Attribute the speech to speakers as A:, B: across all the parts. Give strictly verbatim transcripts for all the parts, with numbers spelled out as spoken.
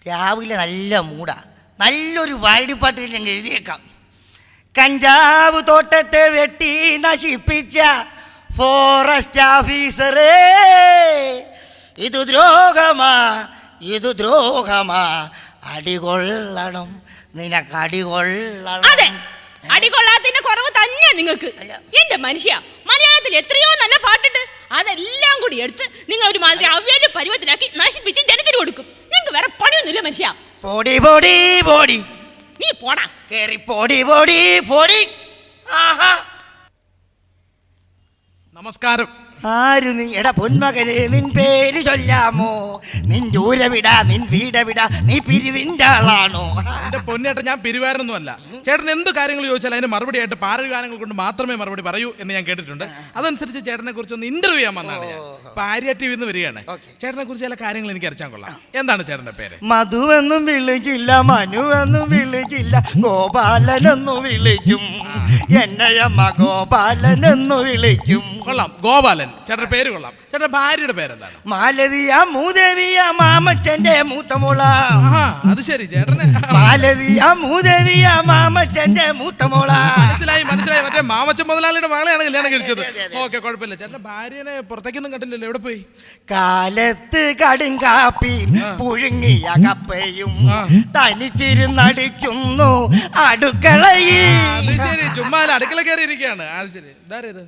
A: രാവിലെ നല്ല മൂടാ, നല്ലൊരു വാരടിപ്പാട്ട് ഞങ്ങൾ എഴുതിയേക്കാം. കഞ്ചാവ് തോട്ടത്തെ വെട്ടി നശിപ്പിച്ച ഫോറസ്റ്റ് ഓഫീസറേ, ഇത് ദ്രോഹമാ, ഇത് ദ്രോഹമാ, അടികൊള്ളണം, നിനക്ക് അടികൊള്ളണം.
B: അതെ, അടികൊള്ളാത്തതിന്റെ കുറവ് തന്നെ നിങ്ങൾക്ക്. എന്റെ മനുഷ്യ, മലയാളത്തിൽ എത്രയോ നല്ല പാട്ടുണ്ട്, അതെല്ലാം കൂടി എടുത്ത് നിങ്ങൾ ഒരു മാതിരി അവ്യാജ പരുവത്തിലാക്കി നശിപ്പിച്ച് ജനത്തിന് കൊടുക്കും. നിങ്ങൾക്ക് വേറെ പണിയൊന്നുമില്ല മനുഷ്യ.
A: പൊടി പൊടി പൊടി,
B: നീ പോടാ,
A: കേറി പൊടി പൊടി പൊടി. ആഹാ,
C: നമസ്കാരം.
A: ആരു നീ? എടാ പൊന്മകനെ, നിൻ പേര് ചൊല്ലാമോ? നിൻ ദൂരവിടാ, നിൻ വീടവിടാ, നീ പിരിവിൻ്റെ ആളാണോ?
C: എന്റെ പൊന്നേട്ട, ഞാൻ പിരിവാരനൊന്നും അല്ല. ചേട്ടൻ എന്ത് കാര്യങ്ങൾ ചോദിച്ചാൽ അതിന് മറുപടി ആയിട്ട് പാരൽ ഗാനങ്ങൾ കൊണ്ട് മാത്രമേ മറുപടി പറയൂ എന്ന് ഞാൻ കേട്ടിട്ടുണ്ട്. അതനുസരിച്ച് ചേട്ടനെ കുറിച്ച് ഒന്ന് ഇന്റർവ്യൂ ചെയ്യാൻ വന്നതാണ് ഞാൻ. പാരിയ ടി വിന്ന് വരികയാണ്. ചേട്ടനെ കുറിച്ച് ചില കാര്യങ്ങൾ എനിക്ക് അറിയാൻ കൊള്ളാം. എന്താണ് ചേട്ടന്റെ പേര്?
A: മധുവെന്നും വിളിക്കില്ല, മനുവെന്നും വിളിക്കില്ല, ഗോപാലനെന്നു വിളിക്കും. എന്നയമ്മ ഗോപാലനെന്നു വിളിക്കും.
C: കൊള്ളാം, ഗോപാലൻ. ചേട്ടന്റെ പേര് കൊള്ളാം. ചേട്ടന്റെ ഭാര്യയുടെ പേരെന്താണ്?
A: മാലതിയ മൂദേവിയ മാമച്ചന്റെ മൂത്തമോള.
C: അത് ശരി, ചേട്ടന്
A: മാലതിയ മൂദേവിയ മാമച്ചന്റെ മൂത്തമോള.
C: മനസ്സിലായി മനസ്സിലായി. മറ്റേ മാമച്ചൻ മുതലാളിയുടെ മകളെയാണ് കല്യാണം കഴിച്ചത്. ഓക്കെ, കുഴപ്പമില്ല. ചേട്ടന്റെ ഭാര്യനെ പുറത്തേക്കൊന്നും കണ്ടില്ലല്ലോ, എവിടെ പോയി?
A: കാലത്ത് കടുങ്കാപ്പിയും പുഴുങ്ങിയ കപ്പയും തനിച്ചിരുന്നടിക്കുന്നു അടുക്കളയിൽ.
C: അത് ശരി, ചുമ്മാ അടുക്കള കയറി ഇരിക്കുകയാണ്. അത് ശരി, ഇതാരേത്?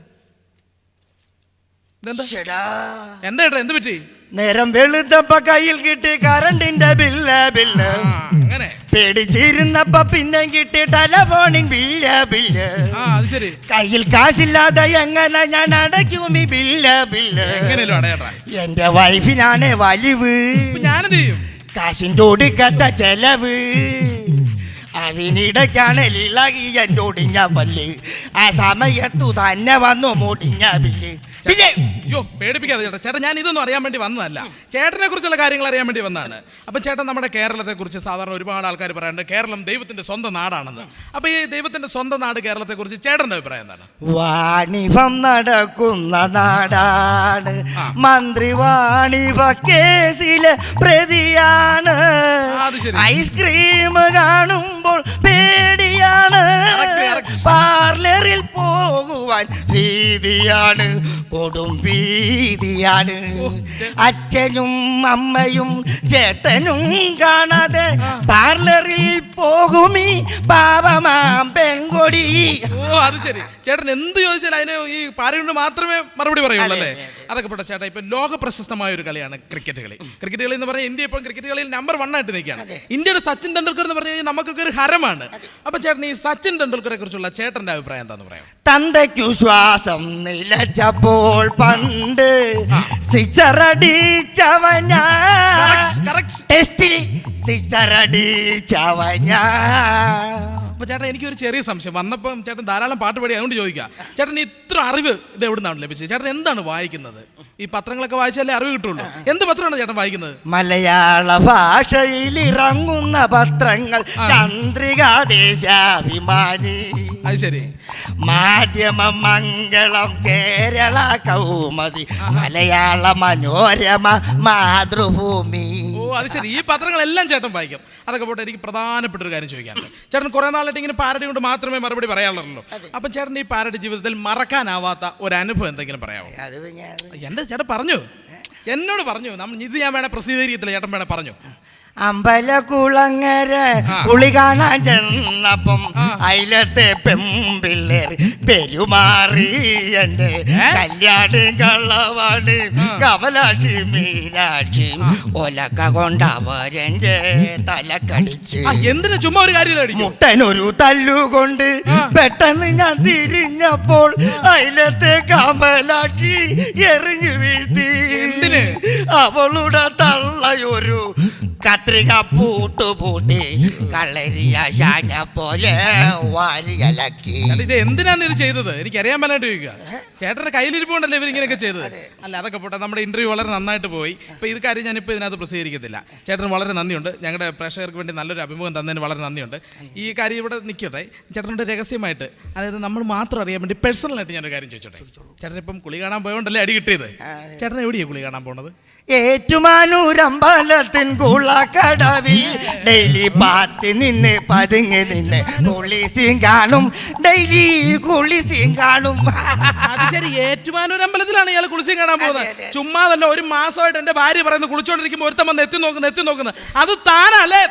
C: എന്താ ഏട്ടാ, എന്ത് പറ്റി?
A: നേരം വെളുത്തപ്പ കയ്യിൽ കിട്ടി കറണ്ടിന്റെ ബില്ല് ബില്ല്.
C: അങ്ങനെ
A: പേടിച്ചിരുന്നപ്പ പിന്നെ കിട്ടി ടെലഫോണിൻ ബില്ല് ബില്ല്. കയ്യിൽ കാശില്ലാതെ എങ്ങനെ ഞാൻ അടയ്ക്കും ഈ ബില്ല് ബില്ല്? എന്റെ വൈഫിനാണ് വലിവ്,
C: ഞാനെന്ത് ചെയ്യും?
A: കാശിന്റെ ഒടുക്കത്ത ചെലവ്. അതിനിടയ്ക്കാണ് ഇളകി എൻ്റെ ഒടിഞ്ഞ പല്ല്. ആ സമയത്തു തന്നെ വന്നു മുടിഞ്ഞ ബില്ല്.
C: അയ്യോ, പേടിപ്പിക്കാതെ ചേട്ടാ. ചേട്ടാ, ഞാൻ ഇതൊന്നും അറിയാൻ വേണ്ടി വന്നതല്ല, ചേട്ടനെ കുറിച്ചുള്ള കാര്യങ്ങൾ അറിയാൻ വേണ്ടി വന്നതാണ്. അപ്പം ചേട്ടൻ, നമ്മുടെ കേരളത്തെ കുറിച്ച് സാധാരണ ഒരുപാട് ആൾക്കാർ പറയാറുണ്ട് കേരളം ദൈവത്തിന്റെ സ്വന്തം നാടാണെന്ന്. അപ്പൊ ഈ ദൈവത്തിന്റെ സ്വന്തം നാട് കേരളത്തെ കുറിച്ച് ചേട്ടന്റെ അഭിപ്രായം എന്താണ്?
A: വാണിഭം നടക്കുന്ന നാടാണ്, മന്ത്രി വാണിഭ കേസിലെ പ്രതിയാണ്. ഐസ്ക്രീം കാണുമ്പോൾ പേടിയാണ്, പാർലറിൽ പോകുവാൻ ഭീതിയാണ്, കൊടും ഭീതിയാണ്. അച്ഛനും അമ്മയും ചേട്ടനും കാണാതെ പാർലറിൽ പോകുമീ പാവമാം പെൺകൊടി.
C: ഓ, അത് ശരി. ചേട്ടൻ എന്ത് ചോദിച്ചാൽ അതിന് ഈ പാരയുണ്ട് മാത്രമേ മറുപടി പറയുള്ളൂ അല്ലേ? അതൊക്കെ പോട്ടെ ചേട്ടാ. ഇപ്പൊ ലോക പ്രശസ്തമായ ഒരു കളിയാണ് ക്രിക്കറ്റ് കളി. ക്രിക്കറ്റ് കളി എന്ന് പറഞ്ഞാൽ ഇന്ത്യ ഇപ്പോൾ ക്രിക്കറ്റ് കളിയിൽ നമ്പർ വൺ ആയിട്ട് നിൽക്കുകയാണ്. ഇന്ത്യയുടെ സച്ചിൻ തെണ്ടുൽക്കർ എന്ന് പറഞ്ഞു കഴിഞ്ഞാൽ നമുക്കൊക്കെ ഒരു ഹരമാണ്. അപ്പൊ ചേട്ടൻ, ഈ സച്ചിൻ തെണ്ടുൽക്കറെ കുറിച്ചുള്ള ചേട്ടന്റെ അഭിപ്രായം എന്താന്ന് പറയാം?
A: തന്തയ്ക്കു ശ്വാസം നിലച്ചപ്പോൾ പണ്ട് സിക്സർ അടിച്ചവൻ, ടെസ്റ്റിൽ സിക്സർ അടിച്ചവൻ.
C: അപ്പൊ ചേട്ടൻ, എനിക്കൊരു ചെറിയ സംശയം. വന്നപ്പം ചേട്ടൻ ധാരാളം പാട്ട് പാടി, അതുകൊണ്ട് ചോദിക്കാം. ചേട്ടൻ ഇത്ര അറിവ് ഇത് എവിടെ നിന്നാണ് ലഭിച്ചത്? ചേട്ടൻ എന്താണ് വായിക്കുന്നത്? ഈ പത്രങ്ങളൊക്കെ വായിച്ചാലേ അറിവ് കിട്ടുള്ളൂ. എന്ത് പത്രമാണ് ചേട്ടൻ വായിക്കുന്നത്?
A: മലയാള ഭാഷയിൽ ഇറങ്ങുന്ന പത്രങ്ങൾ ചന്ദ്രിക, ദേശാഭിമാനി,
C: അത് ശരി,
A: മാധ്യമം, മംഗളം, കേരള കൗമുദി, മലയാള മനോരമ, മാതൃഭൂമി.
C: ഓ, അത് ശരി. ഈ പത്രങ്ങളെല്ലാം ചേട്ടൻ വായിക്കും. അതൊക്കെ പോട്ടെ, എനിക്ക് പ്രധാനപ്പെട്ട ഒരു കാര്യം ചോദിക്കാനുണ്ട്. ചേട്ടൻ കുറെ നാളായിട്ട് ഇങ്ങനെ പാരഡി കൊണ്ട് മാത്രമേ മറുപടി പറയാറുള്ളൂ. അപ്പൊ ചേട്ടൻ ഈ പാരഡി ജീവിതത്തിൽ മറക്കാനാവാത്ത ഒരു അനുഭവം എന്തെങ്കിലും പറയാമോ? എന്റെ ചേട്ടൻ പറഞ്ഞു, എന്നോട് പറഞ്ഞു. നമ്മൾ ഇത് ഞാൻ വേണേ പ്രസിദ്ധീകരിക്കത്തില്ല, ചേട്ടൻ വേണേ പറഞ്ഞു.
A: അമ്പലക്കുളങ്ങര പുളി കാണാൻ ചെന്നപ്പം അയിലത്തെ പെമ്പിള്ളേർ പെരുമാറി എന്റെ കല്യാണി കള്ളവാണ് കമലാക്ഷി മീനാക്ഷി ഒലക്ക കൊണ്ടവരെന്റെ തലക്കടിച്ച്.
C: എന്തിനാ ചുമ്മാ ഒരു കാര്യം?
A: മുട്ടനൊരു തല്ലുകൊണ്ട് പെട്ടെന്ന് ഞാൻ തിരിഞ്ഞപ്പോൾ അയിലത്തെ കമലാക്ഷി എറിഞ്ഞു വീഴ്ത്തി. അവളുടെ തള്ളയൊരു കത്രിക പൂട്ടുപൂട്ടി കളരിയ ശാന പോലെ വാരിയലക്കി.
C: ഇത് എന്തിനാണ് ഇത് ചെയ്തത്? എനിക്ക് അറിയാൻ പറ്റാണ്ട് ചോദിക്കുക. ചേട്ടന്റെ കയ്യിലിരിപ്പുണ്ടല്ലോ ഇവരിങ്ങനെയൊക്കെ ചെയ്തത്. അല്ല, അതൊക്കെ പോട്ടെ. നമ്മുടെ ഇന്റർവ്യൂ വളരെ നന്നായിട്ട് പോയി. ഇപ്പൊ ഇത് കാര്യം ഞാനിപ്പോൾ ഇതിനകത്ത് പ്രസിദ്ധീകരിക്കത്തില്ല. ചേട്ടന് വളരെ നന്ദിയുണ്ട്. ഞങ്ങളുടെ പ്രേക്ഷകർക്ക് വേണ്ടി നല്ലൊരു അഭിമുഖം തന്നതിന് വളരെ നന്ദിയുണ്ട്. ഈ കാര്യം ഇവിടെ നിൽക്കട്ടെ. ചേട്ടനോട് രഹസ്യമായിട്ട്, അതായത് നമ്മൾ മാത്രം അറിയാൻ വേണ്ടി പേഴ്സണലായിട്ട് ഞാനൊരു കാര്യം ചോദിച്ചോട്ടെ. ചേട്ടൻ ഇപ്പം കുളി കാണാൻ പോയോണ്ടല്ലേ അടി കിട്ടിയത്. ചേട്ടൻ എവിടെയാണ് കുളി കാണാൻ പോണത്?
A: ഏറ്റുമാനൂരമ്പലത്തിൻ കുള കടവിൽ ഡെയിലി പാത്തി നിന്ന് പതുങ്ങി നിന്ന് കുളിസിയും കാണും ഡെയിലി കുളിസിയും കാണും.
C: അത് ശരി, ഏറ്റുമാനൂർ അമ്പലത്തിലാണ് ഇയാൾ കുളിച്ചും കാണാൻ പോകുന്നത്.
A: അതെ, അതെ.
C: ചുമ്മാതല്ല, ഒരു മാസമായിട്ട് എന്റെ ഭാര്യ പറയുന്നത് കുളിച്ചോണ്ടിരിക്കുമ്പോ ഒരുത്തം വന്ന് എത്തി നോക്കുന്നത് എത്തി നോക്കുന്നത് അത് താനല്ലേ?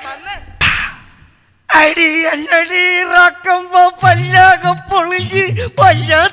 A: അടി അല്ലടി ഇറക്കുമ്പോ പല്ലാകം പൊളിഞ്ഞ് വല്ലാ